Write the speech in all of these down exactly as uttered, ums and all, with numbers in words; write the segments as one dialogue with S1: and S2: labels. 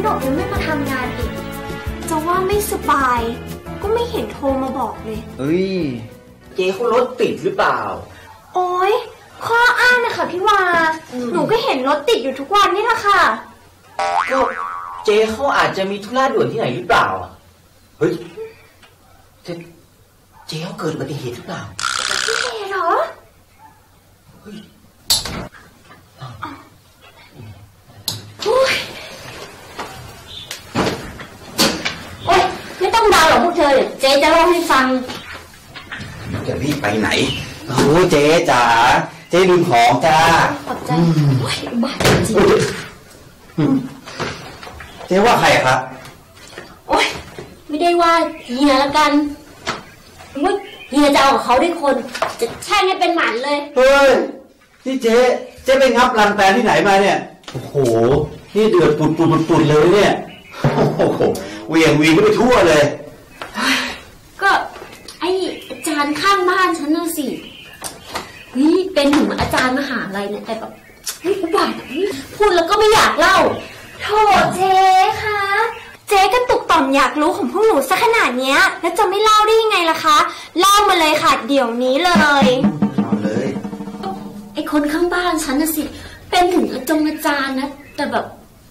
S1: บอกยังไม่มาทำงานอีกจะว่าไม่สบายก็ไม่เห็นโทรมาบอกเลย
S2: เฮ้ยเจ๊เขารถติดหรือเปล่า
S1: โอ๊ยข้ออ้างนะคะพี่วาหนูก็เห็นรถติดอยู่ทุกวันนี่แหละค่ะ
S2: ก็เจ๊เขาอาจจะมีธุระด่วนที่ไหนหรือเปล่าเฮ้ยเจ๊เจ๊เขาเกิดอุบัติเหตุหรือเปล่า
S1: พี่เจเหรอ
S2: เฮ้ย
S1: โอ๊ยโอ๊ยไม่ต้องเดาหรอกพวกเธอเจ๊จะเล่าให้ฟัง
S3: จะรีบไปไหนโอ้เจ๊จ๋าเจ๊ลืมของจ้า
S1: ขอบใจโอ๊ยบ้าจริง
S3: เจ๊ว่าใครครับ
S1: โอ๊ยไม่ได้ว่าเฮียละกันว่าเฮียจะเอากับเขาด้วยคนจะแช่งให้เป็นหมันเลย
S3: เฮ้ยนี่เจ๊เจ๊ไปงับรังแตนที่ไหนมาเนี่ยโอ้โหนี่เดือดปุดปุดปุดปุดเลยเนี่ยโอ้โหเวียงวีก็ไปทั่วเลย
S1: ก็ไออาจารย์ข้างบ้านฉันน่ะสินี่เป็นถึงอาจารย์มหาลัยเนี่ยแต่แบบเฮ้ยอุบาทพูดแล้วก็ไม่อยากเล่าโธ่เจ๊คะเจ๊ก็ตุกต่อมอยากรู้ของพวกหนูซะขนาดเนี้ยแล้วจะไม่เล่าได้ยังไงล่ะคะเล่ามาเลยค่ะเดี๋ยวนี้เลย
S3: เล่าเลย
S1: ไอคนข้างบ้านฉันน่ะสิเป็นถึงอาจงอาจารย์นะแต่แบบ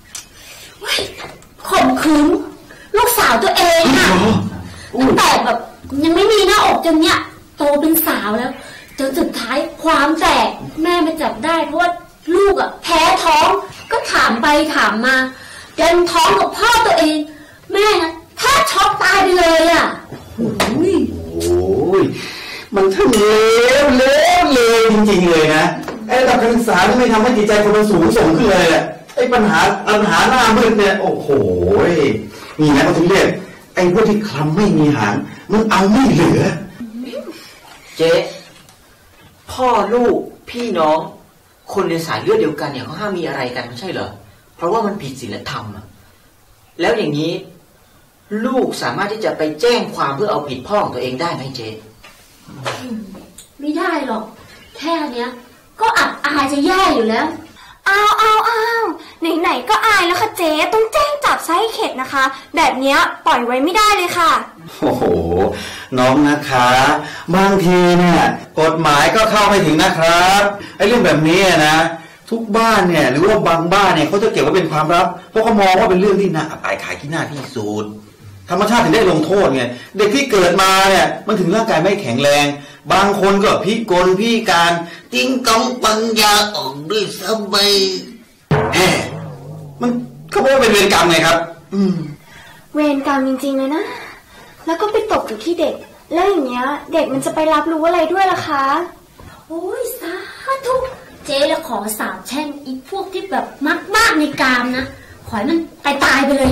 S1: ข่มขืนลูกสาวตัวเองอะตั้งแต่แบบยังไม่มีหน้าอกจนเนี้ยโตเป็นสาวแล้วจนสุดท้ายความแตกแม่มาจับได้เพราะว่าลูกอะแพ้ท้องก็ถามไปถามมาดันท้องกับพ่อตัวเองแม่นะแทบช็อกตายไปเลยอะ
S3: โอ้ยโอ้ยมันทั้งเลวเลวเลวจริงๆเลยนะไอ้ระดับการศึกษาที่ไม่ทำให้จิตใจคนเราสูงส่งขึ้นเลยแหละไอ้ปัญหาปัญหาหน้ามืดเนี่ยโอ้โหนี่นะเขาถึงเรียกไอ้พวกที่คลำไม่มีหางมันเอาไม่เหลือ
S2: เจ๊พ่อลูกพี่น้องคนในสายเลือดเดียวกันเนี่ยเขาห้ามมีอะไรกันไม่ใช่เหรอเพราะว่ามันผิดศีลธรรมอะแล้วอย่างนี้ลูกสามารถที่จะไปแจ้งความเพื่อเอาผิดพ่อของตัวเองได้ไหมเจ๊
S1: ไม่ได้หรอกแค่เนี้ยก็อับอายจะแย่อยู่แล้วอ้าวอ้าวอ้าวไหนๆก็อายแล้วค่ะเจ๊ต้องแจ้งจับซะให้เข็ดนะคะแบบเนี้ยปล่อยไว้ไม่ได้เลยค่ะ
S3: โอ้โหน้องนะคะบางทีเนี่ยกฎหมายก็เข้าไม่ถึงนะครับไอ้เรื่องแบบนี้นะทุกบ้านเนี่ยหรือว่าบางบ้านเนี่ยเขาจะเก็บไว้เป็นความลับเพราะเขามองว่าเป็นเรื่องที่น่าอับอายขายขี้หน้าที่สุดธรรมชาติถึงได้ลงโทษไงเด็กที่เกิดมาเนี่ยมันถึงร่างกายไม่แข็งแรงบางคนก็พิกลพิการติ้งกองปัญญาออกด้วยซ้ำไปแหมมันเขาบอกว่าเป็นเวรกรรมไงครับอืม
S1: เวรกรรมจริงๆเลยนะแล้วก็ไปตกอยู่ที่เด็กแล้วอย่างเงี้ยเด็กมันจะไปรับรู้อะไรด้วยล่ะคะโอ้ยสาธุเจ๊แล้วขอสาบแช่งอีพวกที่แบบมักมากในกามนะขอให้มันตายตายไปเลย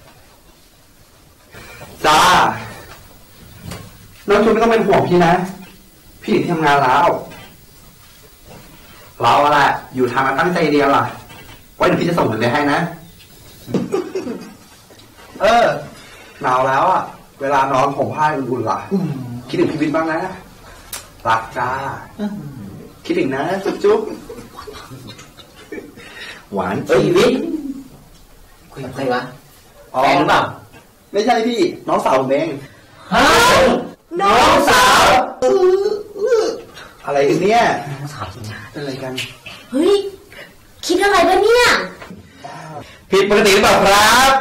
S4: จ้าน้องชุนไม่ต้องเป็นห่วงพี่นะพี่ทำงานแล้วเราอะไรอยู่ทางมาตั้งใจเดียวล่ะไว้เดี๋ยวพี่จะส่งเงินไปให้นะเออหนาวแล้วอ่ะเวลานอนผมผ้าอุ่นๆล่ะคิดถึงพี่วิทย์บ้างนะรักจ้าคิดถึงนะจุ๊บ
S3: หวาน
S2: เอ้ยวิทย์คุยกับใครวะแฟนหรือเปล่า
S4: ไม่ใช่พี่น้องสาวผมเอง
S2: ฮะน้องสาว
S4: อะไรกันเนี่ย
S2: น้องสาวจริงนะ
S4: อะไรกัน
S1: เฮ้ยคิดอะไรวะเนี่ย
S3: ผิดปกติหรือเปล่าครับ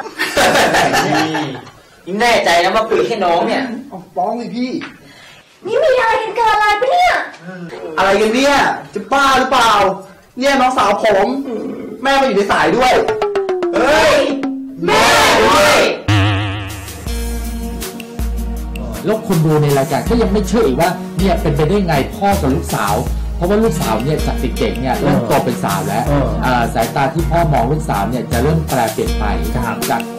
S2: นี่แน่ใจนะว่าปุ๋ยแค่น้องเนี่ย
S4: ฟ้องเลยพี่
S1: นี่มีอะไรกันเกินอะไรปะเนี่ย
S4: อะไรกันเนี่ยจะบ้าหรือเปล่าเนี่ยน้องสาวผมแม่มาอยู่ในสายด้วย
S2: เฮ้ยแม่ด้วย
S5: แล้วคนดูในรายการก็ยังไม่เชื่ออีกว่าเนี่ยเป็นไปได้ไงพ่อกับลูกสาวเพราะว่าลูกสาวเนี่ยจากเด็กๆเนี่ยเริ่มโตเป็นสาวแล้วสายตาที่พ่อมองลูกสาวเนี่ยจะเริ่มแปรเปลี่ยนไปจากค